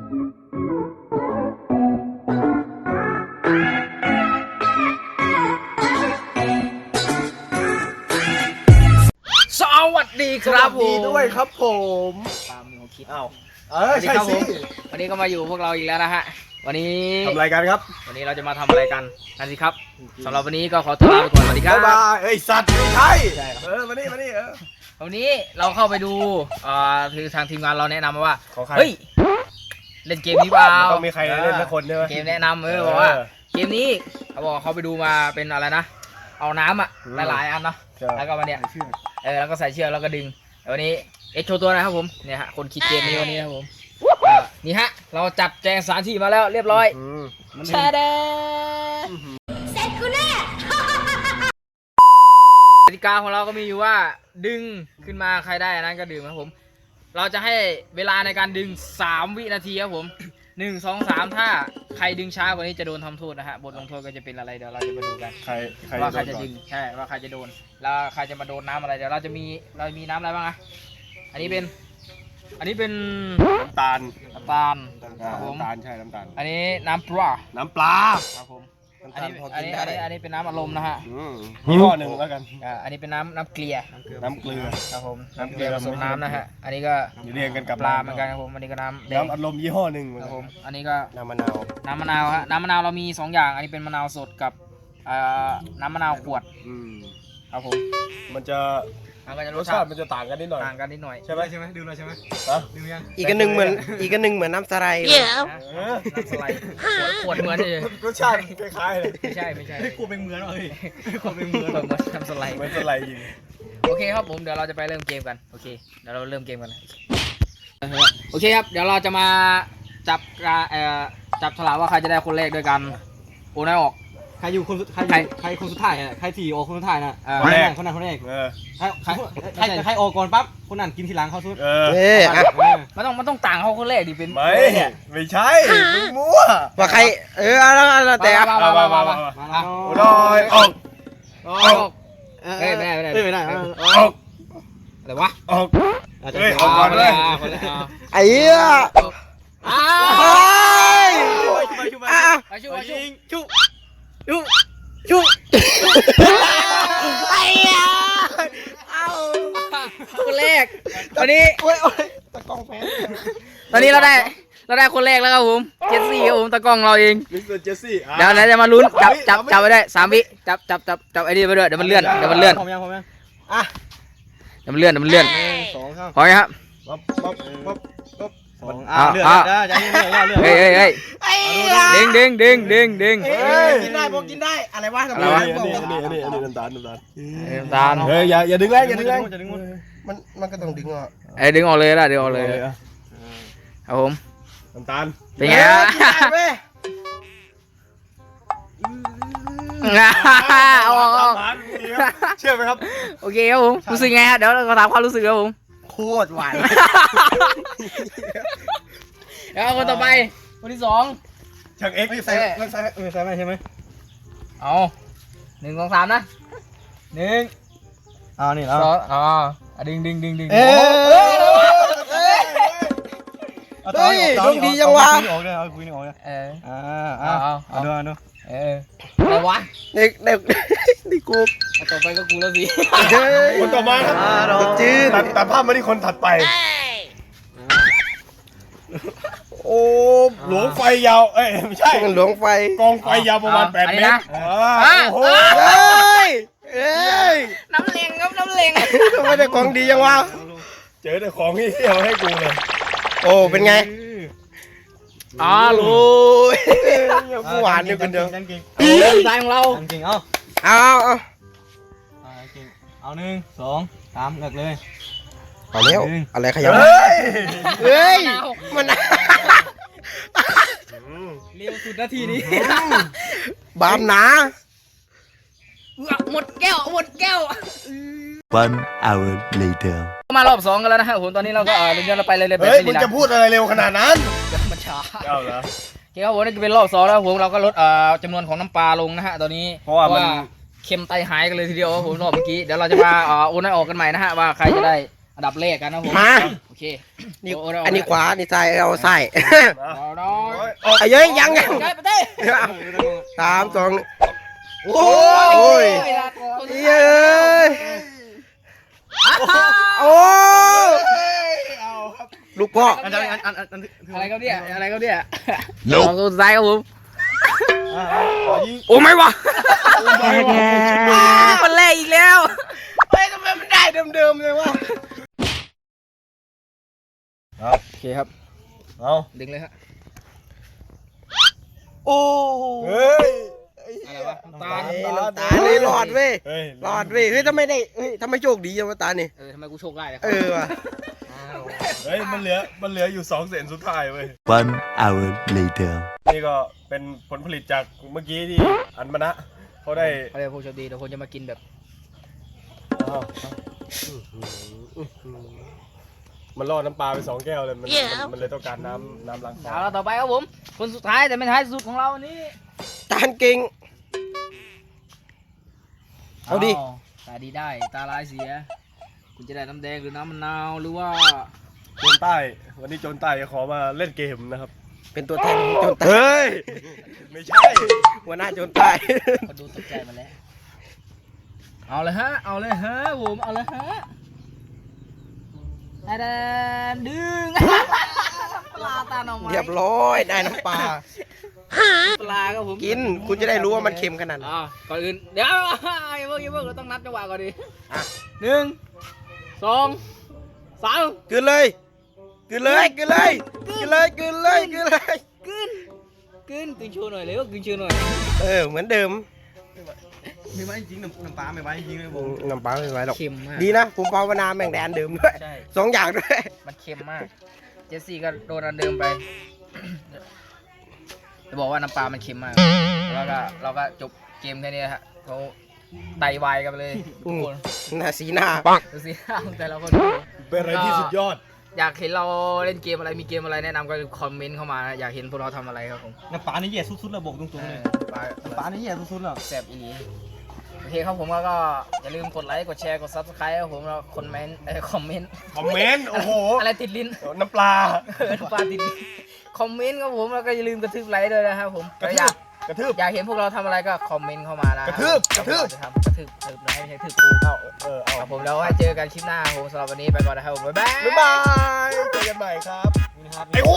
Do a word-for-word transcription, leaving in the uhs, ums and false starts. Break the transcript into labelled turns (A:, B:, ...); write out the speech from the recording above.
A: สวัสดีครับผม
B: ด้วยครับผม
A: ตามมือคิด
B: อ้าวเออใช่สิ
A: วันนี้ก็มาอยู่พวกเราอีกแล้วนะฮะวันนี้
B: ทำอะไรกันครับ
A: วันนี้เราจะมาทำอะไรกันนั่นสิครับสำหรับวันนี้ก็ขอตัวลาไปก่อนสวัสดีครับ
B: บ๊ายบายเอ้ยสัตว์ไม่ใช่เออมานี่มานี่เออ
A: วันนี้เราเข้าไปดูอ่าคือทางทีมงานเราแนะนำมาว่า
B: เฮ้
A: เฮ้ยเล่นเกมนี้เปล่า
B: ต้องมีใครเล่นสักคนใช่ไหม
A: เกมแนะนำเออบอกว่าเกมนี้เขาบอกเขาไปดูมาเป็นอะไรนะเอาน้ำอ่ะหลายๆอันเนาะแล้วก็มาเนี่ยเออแล้วก็ใส่เชือกแล้วก็ดึงวันนี้เอ็กโชว์ตัวนะครับผมเนี่ยฮะคนคิดเกมนี้วันนี้นะครับผมนี่ฮะเราจัดแจงสถานที่มาแล้วเรียบร้อยแชร์เด้เสร็จกูแน่กติกาของเราก็มีอยู่ว่าดึงขึ้นมาใครได้นั้นก็ดื่มครับผมเราจะให้เวลาในการดึงสามวินาทีครับผมหนึ่ง สอง สามถ้าใครดึงช้ากว่านี้จะโดนทำโทษนะฮะบทลงโทษก็จะเป็นอะไรเดี๋ยวเราจะมาดูกัน
B: ใคร
A: ว่าใครจะดึงใช่ว่าใครจะโดนแล้วใครจะมาโดนน้ำอะไรเดี๋ยวเราจะมีเรามีน้ำอะไรบ้างอะอันนี้เป็นอันนี้เป็น
B: น้ำตาล
A: น้ำตาลครับผม
B: น้ำตาลใช่น้ำตาล
A: อันนี้น้ำปลา
B: น้ำปลา
A: ครับผมอันนี้อันนี้อันนี้อันนี้เป็นน้ำอารมณ์นะฮะ
B: ยี่ห้อหนึ่งแล้วกัน
A: อ่าอันนี้เป็นน้ำน้ำเกลือ
B: น้ำเกลือ
A: ครับผมน้ำเกลือผสมน้ำนะฮะอันนี้ก็
B: เรียงกันกับ
A: ปลาเหมือนกันครับผมอันนี้ก็น้ำ
B: น้ำอารมณ์ยี่ห้อหนึ่ง
A: ครับผมอันนี้ก็
B: น้ำมะนาว
A: น้ำมะนาวฮะน้ำมะนาวเรามีสองอย่างอันนี้เป็นมะนาวสดกับน้ำมะนาวขวดครับผม
B: มันจะรสชาติมันจะต่างกันนิดหน่อย
A: ต่างกันนิดหน่อย
B: ใช่ไหม
C: ใช่ไหมดื่มเลยใช่ไหมดื่มยัง
D: อีกอันหนึ่งเหมือนอีกอันหนึ่งเหมือนน้ำสไลด์
A: น้ำสไลด์ขวดเหมือนเลย
B: รสชาติคล้ายๆเลย
A: ไม่ใช่ไม่ใช่
C: ขวดเป็นเหมือนเลย
A: ขวดเป็นเหมือนเหมือนน้ำสไลด์
B: เหมือนสไลด์จริง
A: โอเคครับผมเดี๋ยวเราจะไปเริ่มเกมกันโอเคเดี๋ยวเราเริ่มเกมกันโอเคครับเดี๋ยวเราจะมาจับเอ่อจับฉลากว่าใครจะได้คนแรกด้วยกันโอนได้ออก
C: ใครอยู่คนใครใครคนสุดท้ายอ่ะใครที่โอคนสุดท้ายน่ะ
B: คนแรก
C: คนนั้นคนแรกใครใครใครใครโอก่อนปั๊บคนนั้นกินทีหลังเขาสุด
B: เอ
D: อ
A: มันต้องมันต้องต่างเขาคนแรกดิเป็น
B: ไม่ไม่ใช่มึงมั่ว
D: ว่าใครเออแล้วแต่
A: มามามามามา
B: โอ้ยออก
A: ออกเฮ้ยไม่ได้ไม่ได้
C: ไม่ได้
B: ออก
A: อะไรวะ
B: ออกเฮ้ยออกก่อนเลย
D: ไอ้เหี้ย
A: อ้า
D: ไปชุบไปชุบไปชุบชุบชุบไอ้เหี้ยเอา
A: คนแรกตอนนี้
D: โอ้ยโอ้ยตะกล้องแพ้
A: ตอนนี้เราได้เราได้คนแรกแล้วครับผมเจสซี่ครับผมตะกล้องเราเอง
B: มิสเตอร์เจสซี่
A: เดี๋ยวเราจะมาลุ้นจับจับจับไปได้สามวิจับจับจับจับไอ้นี่ไปด้วยเดี๋ยวมันเลื่อนเดี๋ยวมันเลื่อน
C: ผมยังผมยัง
D: อ่ะ
A: เดี๋ยวมันเลื่อนเดี๋ยวมันเลื่อน
C: สองครับ
A: พอไหมครับ
B: ป๊บป๊บป๊บป๊บ
C: สองอ่ะเลื่อนได้ใจเย็นๆเลื่อน
A: เฮ้ยเฮ้ยเฮ้ยดึงดึงดึงดึงดึง
D: กินได้บอกกินได้อะไรวะ
B: อะไรวะอันนี้อันนี้อันนี้อันนี้น้ำตาลน้ำตาล
A: น้ำตาล
B: เฮ้ยอย่าอย่าดึงแรงอย่าดึงแรง
D: มันมันก็ต้องดึงอ่ะ
A: ไอ้ดึงออกเลยละดึงออกเลยครับผม
B: น้ำตาล
A: เป็นไงฮะเอาออกเอา
B: เชื่อไหมครับ
A: โอเคครับผมรู้สึกไงฮะเดี๋ยวเราถามความรู้สึกครับผม
D: โคตรหวาน
A: แล้วคนต่อไปคนที่สอง
B: ช่างเอ็กซ์
C: ใส่ใส่ใส่ไม่ใช่ไหม
A: เอาหนึ่งสองสามนะหนึ่ง
C: เอานี่แล้ว
A: สองอ๋อดึงดึงดึงดึง
D: เอ้ยเฮ้ยดวงดีจังวะ
C: ออกเลยเอาคุยนี่ออกเลย
A: เออ
C: อ่าเอาเอาเอาดูเอาดู
A: เอออะไรวะ
D: เด็กเด็กนี่กู
A: ต่อไปก็กูแล้วสิ
B: คนต่อมาครับ
D: จืด
B: ตัดภาพมาที่คนถัดไปโอ้หลวงไฟยาวเอ้ยไม่ใช่
D: หลวงไฟ
B: กองไฟยาวประมาณแปดเมตรโอ้โห
D: เฮ้ยเฮ้ย
A: น้ำเล็งครับน้ำเล็ง
D: ทำไมได้ของดีจังวะ
B: เจอแต่ของที่เอาให้กูเลย
D: โอ้เป็นไง
A: อ๋อรู้
D: กูหวานอยู่คนเดียว
A: เริ่มใจของเรา
C: จริงเอา
D: เอาเอา
C: เอาหนึ่งสองสามเลิกเลย
D: เอาเร็วอะไรขยับเฮ้ยมัน
A: เร็วสุดนาทีนี้
D: บามหนา
A: หมดแก้วหมดแก้ว
E: One hour later
A: มารอบสองกันแล้วนะฮะผมตอนนี้เราก็เออเดี๋ยวเราไปเลยเลย
B: เฮ้ยมึงจะพูดอะไรเร็วขนาดนั้น
A: เดี๋ยวมันช้า
B: เอาเหรอ
A: โอเคครับผมนี่เป็นรอบสองแล้วผมเราก็ลดเอ่อจำนวนของน้ำปลาลงนะฮะตอนนี้
B: เพราะว่ามัน
A: เค็มไตหายกันเลยทีเดียวผมรอบเมื่อกี้เดี๋ยวเราจะมาเอ่อโอนให้ออกกันใหม่นะฮะว่าใครจะได้อันดับแรกกันนะผม
D: มา
A: โอเค
D: นี่
A: โเา
D: อันนี้ขวานี่ซ้ายเอาซ้าย
A: เอาเอา
D: ไอ้เย้ยยังยัง
A: ได้ไปได้
D: สามสองโอ้ยเย้ยโอ้ลูกพ่อ
C: อันอันอันอันอัน
A: อะไรครับเนี่ยอะไรครับเนี่ยลองตัวซ้ายครับผม
D: โอ้ไม่วะ
A: มันแรกอีกแล้ว
D: เฮ้ยทำไมมันได้เดิมๆเลยวะ
A: โอเคครับ
B: เอา
A: ดึงเลยฮะ
D: โอ้
B: เฮ้ย
A: อะไรวะน้ำตาล
D: น้ำตาเลยหลอดเว้ย
B: เฮ้ย
D: หลอดเว้ยเฮ้ยทำไมได้เฮ้ยทำไมโชคดีจังวะตานี่
A: เออทำไมกูโชคได้เลย
D: เออว่ะ
B: เฮ้ยมันเหลือมันเหลืออยู่สองเซนสุดท้ายเว้ย
E: One hour later.
B: นี่ก็เป็นผลผลิตจากเมื่อกี้ที่อันมณะเขาได้
A: เขาเรียกผู้โชคดีเดี๋ยวคนจะมากินแบบ
B: อ้าวมันล่อน้ำปลาไปสองแก้วเลยมันมันมันเลยต้องการน้ำน้ำล้าง
A: เอาละต่อไปครับผม คนสุดท้ายแต่ไม่ท้ายสุดของเราวันนี้
D: ตาลเก่ง เอาดิ
A: ตาดีได้ตาลายเสีย คุณจะได้น้ำแดงหรือน้ำมะนาวหรือว่า
B: โจนใต้ วันนี้โจนใต้จะขอมาเล่นเกมนะครับ
D: เป็นตัวแทนของโจนใต้
B: เฮ้ย ไม่ใช่
D: หัวหน้าโจนใต้
A: คนดูตกใจมาแล้ว เอาเลยฮะ เอาเลยฮะผมเอาเลยฮะแดนดึงปลาตาหน่อไม้
D: เรียบร้อยได้น้ำปลา
A: ปลาครับผม
D: กินคุณจะได้รู้ว่ามันเค็มขนาดไหน
A: อ่าก่อนอื่นเดี๋ยวอย่าเพิ่งอย่าเพิ่งเราต้องนับจังหวะก่อนดิหนึ่งสองสาม
D: กินเลยกินเลยกินเลยกินเลยกินเลยกินเลย
A: กึนกึนกึนโชว์หน่อยเร็วกึนโชว์หน่อย
D: เออเหมือนเดิม
C: ไม่ไหวจริงน้ำน้ำปลาไม่ไหวจริงเลยผม
D: น้ำปลาไม่ไหวหรอก
A: เค็มมาก
D: ดีนะผมภาวนาแม่งแดนเดิมด้วย
A: ใช่
D: สองอย่างด้วย
A: มันเค็มมาก เจสซี่ก็โดนอันเดิมไป จะบอกว่าน้ำปลามันเค็มมาก แล้วก็เราก็จบเกมแค่นี้ฮะเขาไตวายกันไปเลยทุกคน
D: หน้าสีหน้า
A: ดูสิ แต่ละคน
B: เป็นอะไรที่สุดยอด
A: อยากเห็นเราเล่นเกมอะไรมีเกมอะไรแนะนำก็คอมเมนต์เข้ามานะอยากเห็นพวกเราทำอะไรครับผม
C: น้ำปลานี่แย่สุดๆเลยบอกตรงๆเลย
A: ปลา
C: น้ำปลานี่แย่สุดๆเลย
A: แซ่บอีหลีโอเคครับผมก็ก็อย่าลืมกดไลค์กดแชร์กดซับสไครต์ครับผมแล้วคอมเมนต์เออคอมเมนต์
B: คอมเมนต์ โอ้โห
A: อะไรติดลิ้น
B: น้ำปลา
A: เออปลาติดลิ้นคอมเมนต์ครับผมแล้วก็อย่าลืมกระทืบไลค์ด้วยนะครับผม
B: กระทืบ
A: อยาก
B: กระทืบ
A: อยากเห็นพวกเราทำอะไรก็คอมเมนต์เข้ามานะ
B: กระทืบกระทืบ
A: จะทำกระทืบกระทืบไลค์ไม่ใช่กระทืบกูเข้า
B: เออ เอา
A: ครับผมแล้วให้เจอกันคลิปหน้าครับผมสำหรับวันนี้ไปก่อนนะครับผมบ๊ายบาย
B: บ๊ายบาย เจอกันใหม่ครับ ไอ้